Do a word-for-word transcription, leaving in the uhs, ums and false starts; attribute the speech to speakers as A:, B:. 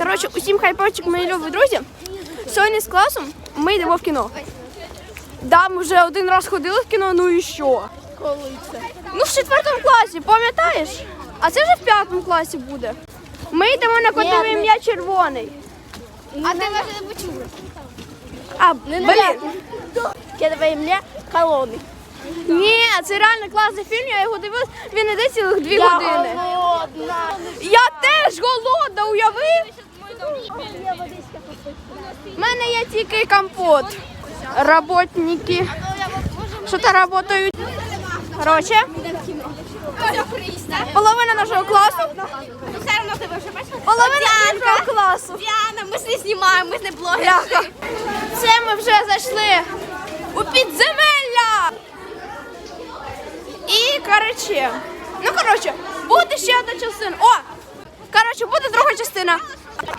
A: Коротше, усім хайпочок, мої любі друзі. Сьогодні з класом ми йдемо в кіно. Да, ми вже один раз ходили в кіно, ну і що?
B: Коли це?
A: Ну, в четвертому класі, пам'ятаєш? А це вже в п'ятому класі буде. Ми йдемо на котове ім'я Червоний.
B: А ти може не почули?
A: А, блін.
B: Котове ім'я Колони.
A: Ні, це реально класний фільм, я його дивилась, він іде цілих дві
B: Я
A: години.
B: голодна.
A: Я теж голодна, уяви? У мене є тільки компот. Работники. Що то працюють? Коротше, половина нашого класу.
B: Все одно тебе вже бачиш?
A: Половина нашого класу.
B: Діана, ми ж не знімаємо, ми ж не блогери.
A: Бляха. Це ми вже зайшли у підземелля. І, коротше, ну, коротше, буде ще одна частина. О, коротше, буде друга частина.